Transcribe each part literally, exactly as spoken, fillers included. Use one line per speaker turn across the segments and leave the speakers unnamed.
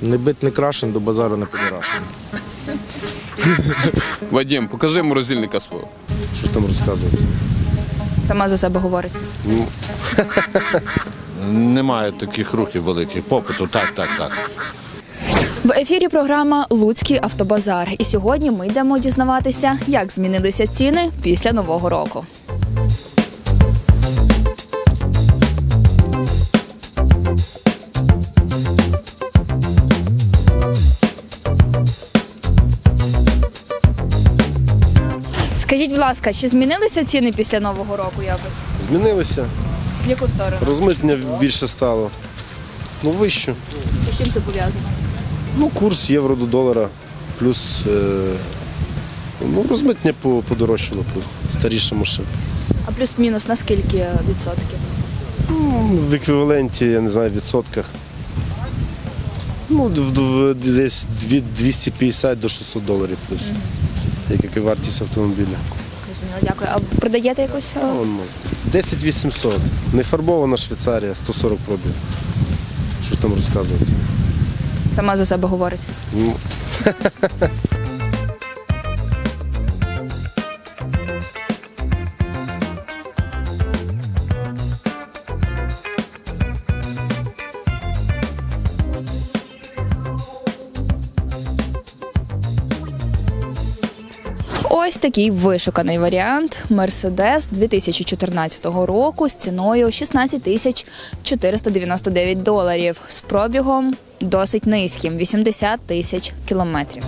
Не бит, не крашен, до базару не підрашен.
Вадим, покажи морозильника свого.
Що ж там розказувати?
Сама за себе говорить.
Немає таких рухів великих, попиту, так, так, так.
В ефірі програма «Луцький автобазар». І сьогодні ми йдемо дізнаватися, як змінилися ціни після Нового року. Скажіть, будь ласка, чи змінилися ціни після Нового року якось?
Змінилися.
В яку сторону?
Розмитнення більше стало. Ну, вище.
І з чим це пов'язано?
Ну, курс євро до долара. Плюс е, ну, розмитнення по- подорожчало, по- старіша машина.
А плюс-мінус на скільки відсотків?
Ну, в еквіваленті, я не знаю, в відсотках. Ну, в- в- десь від двісті п'ятдесят до шістсот доларів плюс. Як і вартість автомобіля.
Зрозуміло, дякую. А продаєте якусь? е,
Вон, може. десять вісімсот. Нефарбована Швейцарія, сто сорок пробіг. Що ж там розказувати?
Сама за себе говорить.
Ну,
Ось такий вишуканий варіант Mercedes дві тисячі чотирнадцятого року з ціною шістнадцять тисяч чотириста дев'яносто дев'ять доларів, з пробігом досить низьким – вісімдесят тисяч кілометрів.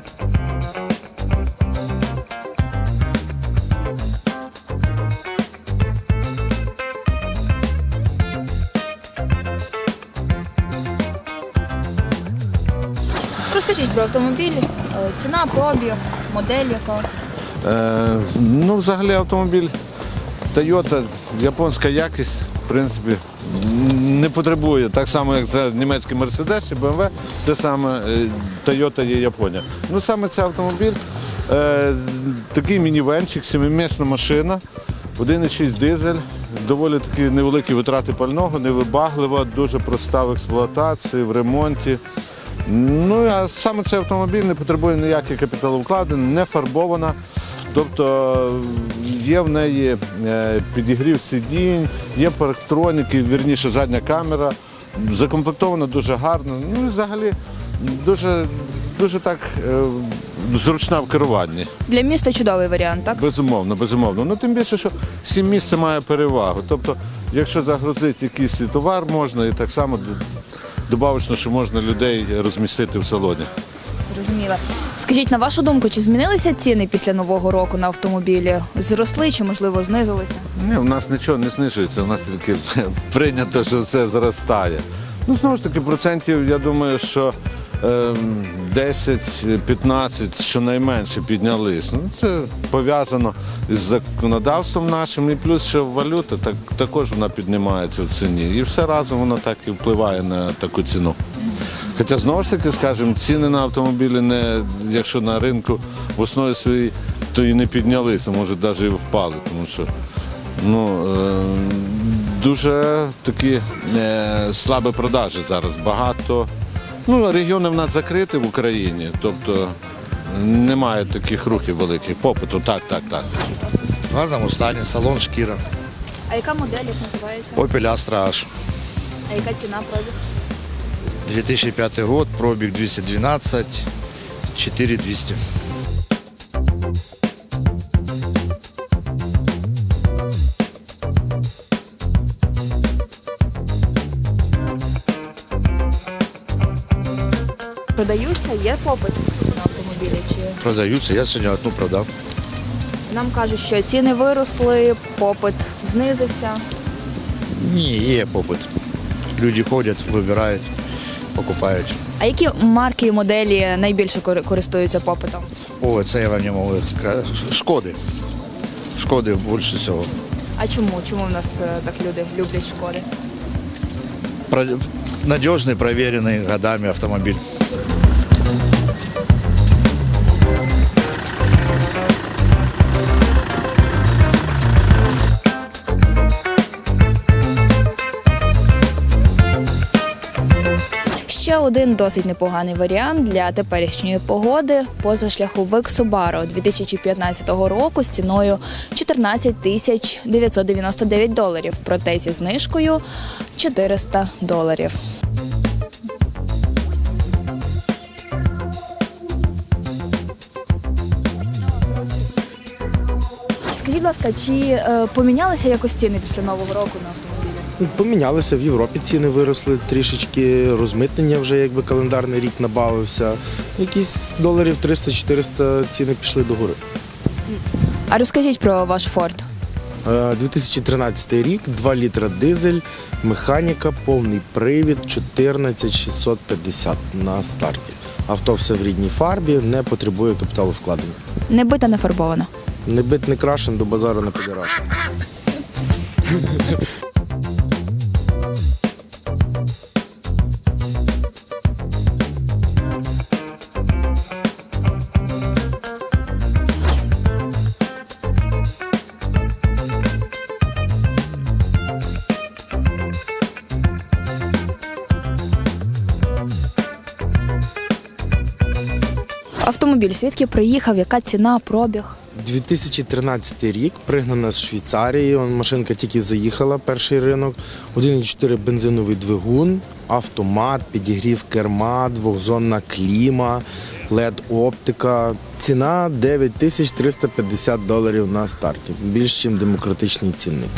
Розкажіть про автомобіль, е, ціна, пробіг, модель яка.
Е, ну, взагалі автомобіль Toyota, японська якість, в принципі, не потребує. Так само, як це німецький Mercedes і бе ем ве, те саме е, Toyota є Японія. Ну, саме цей автомобіль, е, такий мінівенчик, сімимісна машина, один і шість дизель, доволі такі невеликі витрати пального, невибаглива, дуже проста в експлуатації, в ремонті. Ну, а саме цей автомобіль не потребує ніяких капіталовкладень, не фарбована. Тобто є в неї е, підігрів сидінь, є парктроніки, вірніше задня камера, закомплектована дуже гарно. Ну і взагалі дуже, дуже так е, зручна в керуванні.
Для міста чудовий варіант, так?
Безумовно, безумовно. Ну тим більше, що сім місць має перевагу. Тобто, якщо загрузити якийсь товар можна, і так само добавочно, що можна людей розмістити в салоні.
Зрозуміло. Скажіть, на вашу думку, чи змінилися ціни після Нового року на автомобілі? Зросли чи, можливо, знизилися?
Ні, у нас нічого не знижується, у нас тільки прийнято, що все зростає. Ну, знову ж таки, процентів, я думаю, що е, десять-п'ятнадцять щонайменше піднялись. Ну, це пов'язано з законодавством нашим, і плюс ще валюта, так, також вона піднімається в ціні. І все разом воно так і впливає на таку ціну. Хоча, знову ж таки, скажімо, ціни на автомобілі, не, якщо на ринку в основі своїй, то і не піднялися, може навіть і впали, тому що ну, е, дуже такі е, слабі продажі зараз, багато. Ну, регіони в нас закриті в Україні, тобто немає таких рухів великих, попиту, так, так, так.
В гарному стані, салон шкіра.
А яка модель, як називається?
Opel Astra H.
А яка ціна пробіг?
две тысячи пятый год, пробег двести двенадцать, четыре двести.
Продаються, є попит на автомобілі? Чи
Продаются, я сегодня одну продал.
нам кажуть, що ціни виросли, попит знизився?
Не, є попит. Люди ходять, вибирають, покупають.
А які марки і моделі найбільше кори- користуються попитом?
О, це я вам не можу сказати. Шкоди. Шкоди більше всього.
А чому? Чому в нас це так люди люблять шкоди?
Про... Надіжний, перевірений годами автомобіль.
ще один досить непоганий варіант для теперішньої погоди – позашляховик Subaru дві тисячі п'ятнадцятого року з ціною чотирнадцять тисяч дев'ятсот дев'яносто дев'ять доларів, проте зі знижкою чотириста доларів. Скажіть, будь ласка, чи е, помінялися якось ціни після Нового року на автомобілі?
Помінялися, в Європі ціни виросли трішечки, розмитнення вже якби календарний рік набавився. Якісь доларів триста-чотириста ціни пішли догори.
А розкажіть про ваш Ford.
Е, дві тисячі тринадцятий рік, два літра дизель, механіка, повний привід, чотирнадцять тисяч шістсот п'ятдесят на старті. Авто все в рідній фарбі, не потребує капіталовкладення.
Не бита, не фарбована.
Не бит, не крашен, до базару не підіраш.
Автомобіль звідки приїхав, яка ціна, пробіг?
дві тисячі тринадцятий рік, пригнана з Швейцарії, он, машинка тільки заїхала, перший ринок, один цілих чотири бензиновий двигун, автомат, підігрів керма, двохзонна кліма, лед-оптика. Ціна дев'ять тисяч триста п'ятдесят доларів на старті, більш ніж демократичний цінник.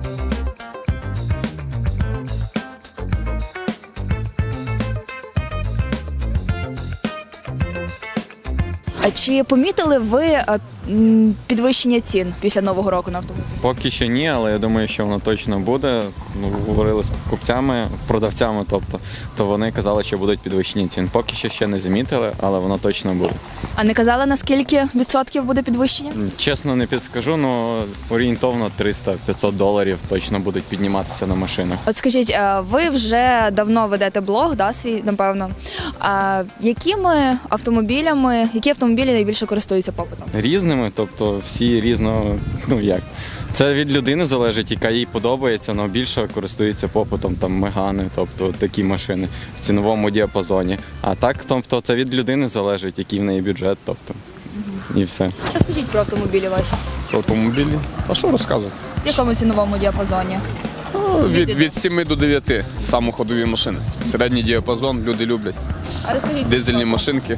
А чи помітили ви е, м, підвищення цін після Нового року на автомобіль?
Поки що ні, але я думаю, що воно точно буде. Ну, говорили з покупцями, продавцями, тобто, то вони казали, що будуть підвищені цін. Поки що ще не замітили, але воно точно буде.
А не казали, на скільки відсотків буде підвищення?
Чесно, не підскажу, але орієнтовно триста-п'ятсот доларів точно будуть підніматися на машинах.
От скажіть, е, ви вже давно ведете блог, да, свій, напевно. А якими автомобілями, які автомобілі найбільше користуються попитом?
Різними, тобто всі різно, ну як. Це від людини залежить, яка їй подобається, але більше користується попитом там мегани, тобто такі машини в ціновому діапазоні. А так, тобто це від людини залежить, який в неї бюджет, тобто і все.
Розкажіть про автомобілі ваші.
Автомобілі. А що розказувати?
В якому ціновому діапазоні?
Ну, від, від семи до дев'яти самоходові машини. Середній діапазон люди люблять.
А розкажіть.
Дизельні машинки.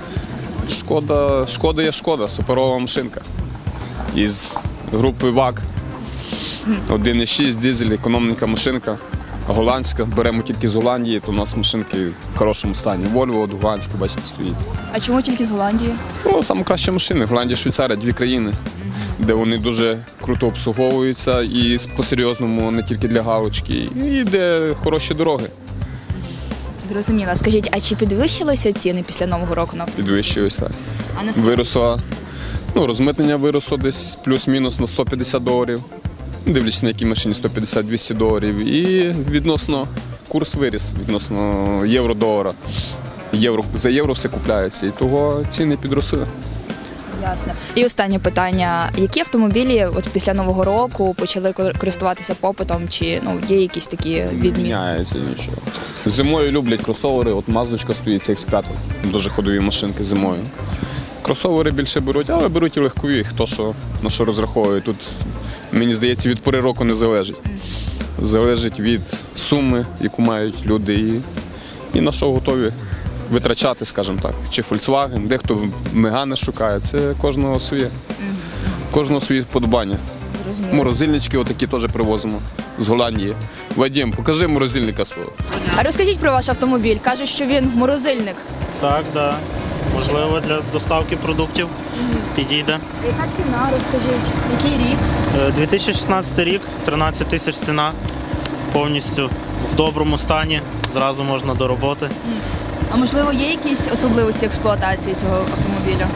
Шкода, шкода є шкода, суперова машинка. Із групи ВАК. один і шість дизель, економненька машинка. Голландська, беремо тільки з Голландії, то у нас машинки в хорошому стані. Вольво, голландська, бачите, стоїть.
А чому тільки з Голландії?
Ну, саме кращі машини. Голландія, Швейцарія, дві країни, де вони дуже круто обслуговуються і по-серйозному, не тільки для галочки, і де хороші дороги.
Зрозуміла. Скажіть, а чи підвищилися ціни після Нового року на автомобіль?
Підвищуюсь так.
А наскільки?
Виросло, ну, розмитнення виросло десь плюс-мінус на сто п'ятдесят доларів. Дивлячись, на якій машині сто п'ятдесят-двісті доларів. І відносно курс виріс, відносно євро-долара. Євро, за євро все купляється, і того ціни підросли.
Ясно. І останнє питання. Які автомобілі от після Нового року почали користуватися попитом? Чи ну, є якісь такі
Не
відмінності?
міняється нічого. Зимою люблять кросовери, от Маздочка стоїть, це ікс п'ять, дуже ходові машинки зимою. Кросовери більше беруть, але беруть і легкові, хто що, на що розраховує. Тут, мені здається, від пори року не залежить. Залежить від суми, яку мають люди, і, і на що готові витрачати, скажімо так. Чи Volkswagen, дехто Мегане шукає, це кожного своє. Кожного своє вподобання.
Зрозуміло.
Морозильнички отакі теж привозимо з Голландії. Вадим, покажи морозильника свого.
А розкажіть про ваш автомобіль. Кажуть, що він морозильник.
Так, да. Можливо, для доставки продуктів підійде.
Яка ціна, розкажіть? Який рік?
Е, дві тисячі шістнадцятий рік, тринадцять тисяч ціна, повністю в доброму стані, зразу можна до роботи.
А можливо, є якісь особливості експлуатації цього автомобіля?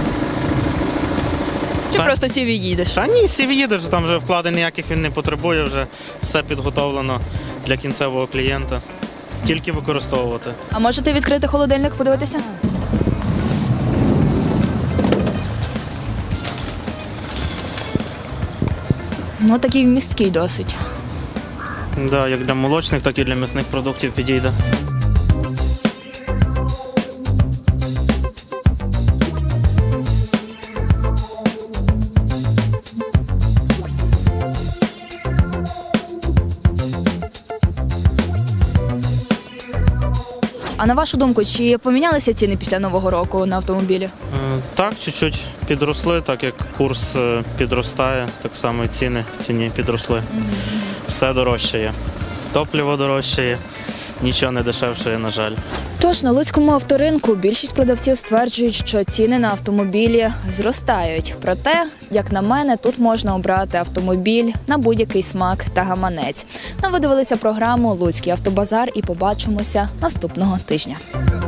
Чи
Так.
просто сів і їдеш?
Та ні, сів їдеш, там вже вкладень ніяких він не потребує, вже все підготовлено для кінцевого клієнта. Тільки використовувати.
А можете відкрити холодильник, подивитися? Ну, такий вмісткий досить.
Да, як для молочних, так і для м'ясних продуктів підійде.
А на вашу думку, чи помінялися ціни після Нового року на автомобілі?
Е, Так, чуть-чуть підросли, так як курс е, підростає, так само і ціни в ціні підросли. Все дорожчає. Топливо дорожчає, нічого не дешевшає, на жаль.
Тож на луцькому авторинку більшість продавців стверджують, що ціни на автомобілі зростають. Проте, як на мене, тут можна обрати автомобіль на будь-який смак та гаманець. Ну, ви дивилися програму «Луцький автобазар» і побачимося наступного тижня.